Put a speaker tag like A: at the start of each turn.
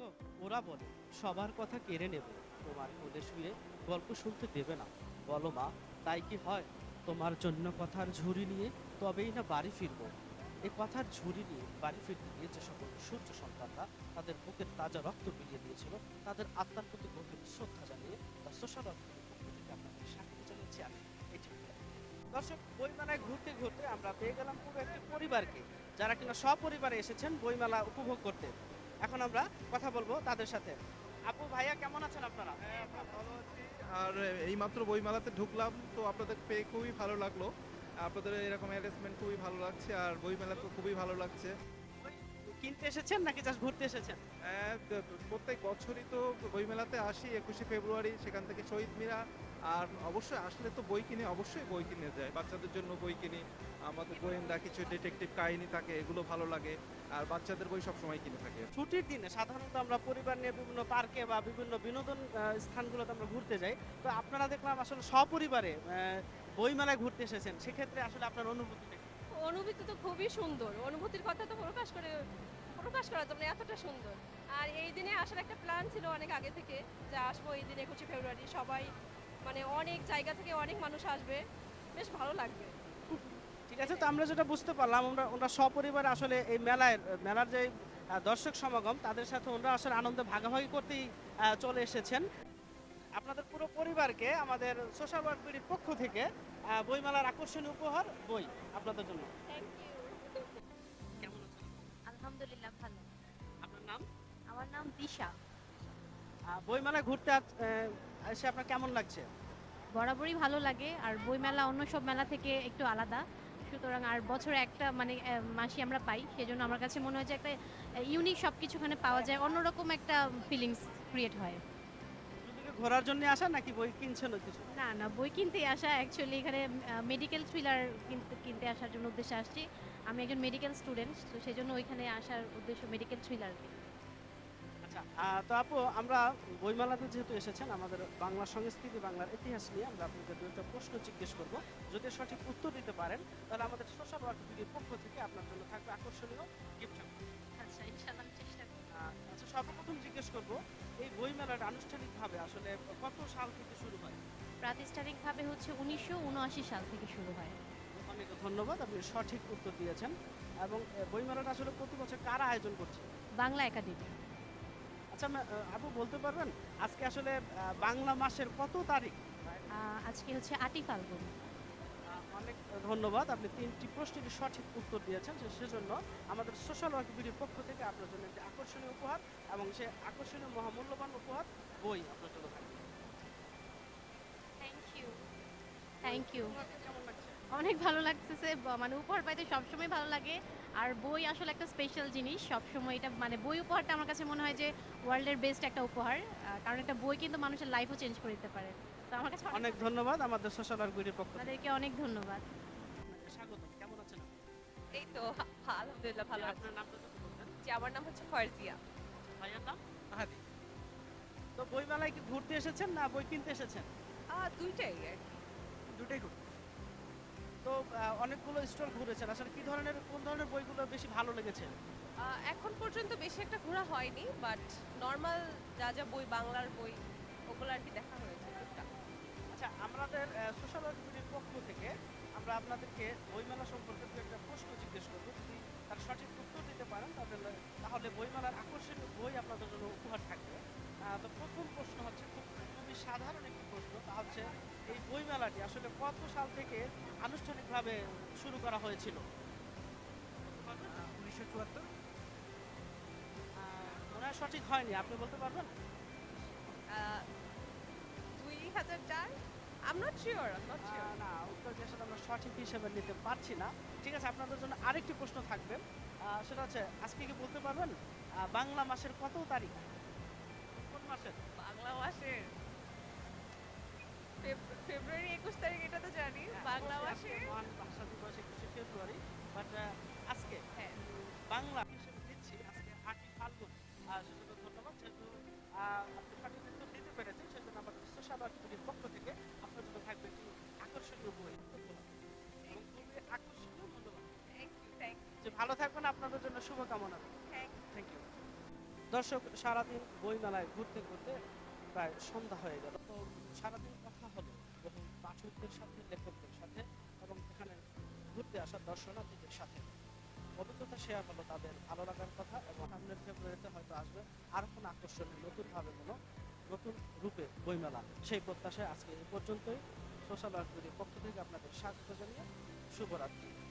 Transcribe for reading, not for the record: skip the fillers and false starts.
A: দেখো, ওরা বলে সবার কথা কেড়ে নেবে, তোমার কোলে শুয়ে গল্প শুনতে দেবে না। বলো মা, তাই কি হয়? তোমার জন্য কথার ঝুড়ি নিয়ে তবেই না বাড়ি ফিরবো। এই কথার ঝুড়ি নিয়ে বাড়ি ফিরতে গিয়ে যে সকল সূর্য সন্তানরা তাদের বুকের তাজা রক্ত বিলিয়ে দিয়েছিল, তাদের আত্মার প্রতি গভীর শ্রদ্ধা জানিয়ে বা সোশ্যাল ওয়ার্কের পক্ষ থেকে আপনাদের স্বাগত জানাচ্ছি আমি। এটি দর্শক, বইমেলায় ঘুরতে ঘুরতে আমরা পেয়ে গেলাম পুরো একটি পরিবারকে, যারা কিনা সপরিবারে এসেছেন বইমেলা উপভোগ করতে। এখন আমরা কথা বলবো তাদের সাথে। আপু, ভাইয়া, কেমন আছেন আপনারা?
B: হ্যাঁ, আমরা ভালো আছি। আর এইমাত্র বইমেলাতে ঢুকলাম, তো আপনাদের পেয়ে খুবই ভালো লাগলো। আপনাদের এরকম অ্যারেঞ্জমেন্ট খুবই ভালো লাগছে, আর বইমেলা তো খুবই ভালো লাগছে।
A: বই কিনতে এসেছেন নাকি জাস্ট ঘুরতে এসেছেন?
B: প্রত্যেক বছরই তো বইমেলাতে আসি 21শে ফেব্রুয়ারি, সেখান থেকে শহীদ মিনার। আর অবশ্যই আসলে তো বই কিনে, অবশ্যই বই কিনে যায়, বাচ্চাদের জন্য বই কিনি। আমাদের গোয়েন্দা কিছু ডিটেকটিভ কাহিনী থাকে, এগুলো ভালো লাগে। আর বাচ্চাদের বই সবসময় কিনে থাকে।
A: ছুটির দিনে সাধারণত আমরা পরিবার নিয়ে বিভিন্ন পার্কে বা বিভিন্ন বিনোদন স্থানগুলোতে আমরা ঘুরতে যাই। তো আপনারা দেখলাম আসলে সপরিবারে বইমেলায় ঘুরতে এসেছেন, সেক্ষেত্রে আসলে আপনার অনুভূতিটা কি?
C: অনুভূতি তো খুবই সুন্দর। অনুভূতির কথা তো প্রকাশ করা যাবে না, এতটা সুন্দর। আর এই দিনে আসার একটা প্ল্যান ছিল অনেক আগে থেকে, যে আসবো এই দিনে 21শে ফেব্রুয়ারি। সবাই মানে অনেক জায়গা থেকে অনেক মানুষ আসবে, বেশ ভালো লাগবে।
A: ঠিক আছে, তো আমরা যেটা বুঝতে পারলাম, ওরা সপরিবারে আসলে এই মেলার যে দর্শক সমাগম, তাদের সাথে ওরা আসলে আনন্দে ভাগাভাগি করতেই চলে এসেছেন। আপনাদের পুরো পরিবারকে আমাদের সোশ্যাল ওয়ার্ক বিডির পক্ষ থেকে বইমেলার আকর্ষণীয় উপহার বই আপনাদের জন্য।
C: Thank you.
A: কেমন আছেন?
D: আলহামদুলিল্লাহ ভালো।
A: আপনার নাম?
D: আমার নাম দিশা।
A: বইমেলায় ঘুরতে এসে আপনার কেমন লাগছে?
D: বরাবরই ভালো লাগে, আর বইমেলা অন্য সব মেলা থেকে একটু আলাদা। সুতরাং আর বছরে একটা মানে মাসই আমরা পাই, সেজন্য আমার কাছে মনে হয় যে একটা ইউনিক সব কিছুখানে পাওয়া যায়, অন্যরকম একটা ফিলিংস ক্রিয়েট হয়।
A: শুধু কি ঘোরার জন্য আসা নাকি বই কিনছেন কিছু?
D: না না, বই কিনতে আসা, অ্যাকচুয়ালি এখানে মেডিকেল থ্রিলার কিনতে আসার জন্য উদ্দেশ্যে আসছি। আমি একজন মেডিকেল স্টুডেন্ট, তো সেই জন্য ওইখানে আসার উদ্দেশ্য মেডিকেল থ্রিলার।
A: আচ্ছা, তো আপু, আমরা বইমেলাতে যেহেতু এসেছেন, আমাদের বাংলা সংস্কৃতি, বাংলার ইতিহাস নিয়ে আমরা আপনাকে দু একটা প্রশ্ন জিজ্ঞেস করব। যদি সঠিক উত্তর দিতে পারেন, তাহলে আমাদের সোশ্যাল ওয়ার্ক বিডির পক্ষ থেকে আপনার জন্য থাকবে আকর্ষণীয় গিফট।
D: আচ্ছা, ইনশাআল্লাহ আমি চেষ্টা করব।
A: আচ্ছা, সর্বপ্রথম জিজ্ঞেস করব, এই বইমেলাটা আনুষ্ঠানিকভাবে আসলে কত সাল থেকে শুরু হয়?
D: প্রাতিষ্ঠানিকভাবে হচ্ছে 1979 সাল থেকে শুরু হয়।
A: অনেক ধন্যবাদ, আপনি সঠিক উত্তর দিয়েছেন। এবং বইমেলাটা আসলে প্রতি বছর কারা আয়োজন করছে?
D: বাংলা একাডেমি।
A: আচ্ছা, আপু বলতে পারবেন আজকে আসলে বাংলা মাসের কত তারিখ?
D: আজকে হচ্ছে 8ই ফাল্গুন।
A: অনেক ধন্যবাদ, আপনি 3টি প্রশ্নের সঠিক উত্তর দিয়েছেন, সেজন্য আমাদের সোশ্যাল ওয়ার্ক বিডির পক্ষ থেকে আপনার জন্য একটি আকর্ষণীয় উপহার, এবং সে আকর্ষণীয় মহামূল্যবান উপহার বই আপনার জন্য থাকবে।
D: Thank you. Thank you.
A: তোমাকে কেমন লাগছে?
D: অনেক ভালো লাগতেছে, মানে উপহার পাইতে সবসময় ভালো লাগে। আর বই আসলে একটা স্পেশাল জিনিস, সবসময় এটা মানে বই উপহারটা আমার কাছে মনে হয় যে ওয়ার্ল্ডের বেস্ট একটা উপহার। কারণ একটা বই কিন্তু মানুষের লাইফও চেঞ্জ করে দিতে পারে। তো আমার কাছে
A: অনেক ধন্যবাদ, আমাদের সোশ্যাল ওয়ার্ক বিডির পক্ষ থেকে
D: আপনাদেরকে অনেক ধন্যবাদ।
A: আপনাকে স্বাগত। কেমন আছেন আপনি?
C: এই তো আলহামদুলিল্লাহ ভালো আছি।
A: আপনার নামটা যদি বলতেন।
C: জি, আমার নাম হচ্ছে ফারজিয়া।
A: ভাইয়ার নাম? মাহাদি। তো বইমেলায় কি ঘুরতে এসেছেন না বই কিনতে এসেছেন?
C: দুইটাই আর কি।
A: দুটোই ঘুরতে। তো অনেকগুলো স্টল ঘুরেছেন, আসলে কোন ধরনের বইগুলো বেশি ভালো লেগেছে?
C: এখন পর্যন্ত বেশি একটা ঘোরা হয়নি, বাট নর্মাল যা যা বই, বাংলার বই, ওগুলো আর কি দেখা হয়েছে টুকটাক।
A: আচ্ছা, আমাদের সোশ্যাল ওয়ার্কের পক্ষ থেকে আমরা আপনাদেরকে বইমেলা সম্পর্কে দু একটা প্রশ্ন জিজ্ঞেস করবো। যদি তার সঠিক উত্তর দিতে পারেন তাহলে বইমেলার আকর্ষণীয় বই আপনাদের জন্য উপহার থাকবে। তো প্রথম প্রশ্ন হচ্ছে খুবই সাধারণ একটি প্রশ্ন, তা হচ্ছে এই বইমেলাটি আসলে কত সাল থেকে আনুষ্ঠানিকভাবে শুরু করা হয়েছিল?
B: 1974।
A: মনে হয় সঠিক হয়নি, আপনি বলতে পারবেন?
C: 2004। I'm not sure.
A: না, উত্তরটি আসলে আমরা সঠিক হিসেবে নিতে পারছি না। ঠিক আছে, আপনাদের জন্য আরেকটি প্রশ্ন থাকবে। সেটা হচ্ছে, আজকে কি বলতে পারবেন বাংলা মাসের কত তারিখ? কোন মাসের?
C: বাংলা মাসের ফেব্রুয়ারি 21 তারিখ, এটা তো জানি। বাংলা
A: আজকে
C: মাসের
A: মহান ভাষা দিবস 21শে ফেব্রুয়ারি, বাট আজকে
C: হ্যাঁ।
A: বাংলা হিসেবে দিচ্ছি আজকে 8ই ফাল্গুন। সেজন্য ধন্যবাদ, যেহেতু আপনি সঠিক উত্তর দিতে পেরেছেন, সেজন্য আমাদের সোশ্যাল ওয়ার্কের পক্ষ থেকে আপনার জন্য থাকবে একটি আকর্ষণীয় বই উপহার। এবং খুবই আকর্ষণীয়, মূল্যবান।
C: থ্যাংক ইউ, থ্যাংক ইউ,
A: যে ভালো থাকবেন, আপনাদের জন্য শুভকামনা।
C: Thank
A: thank you. দর্শক, সারাদিন বইমেলায় ঘুরতে ঘুরতে প্রায় সন্ধ্যা হয়ে গেল। তো সারাদিন কথা হলো বহু পাঠকদের সাথে, লেখকদের সাথে এবং এখানে ঘুরতে আসা দর্শনার্থীদের সাথে। অভিজ্ঞতা শেয়ার হলো তাদের ভালো লাগার কথা, এবং সামনের ফেব্রুয়ারিতে হয়তো আসবে আরো কোনো আকর্ষণীয় নতুনভাবে কোনো নতুন রূপে বইমেলা। সেই প্রত্যাশায় আজকে এই পর্যন্তই। সোশ্যাল ওয়ার্ক পক্ষ থেকে আপনাদের স্বাগত জানিয়ে শুভরাত্রি।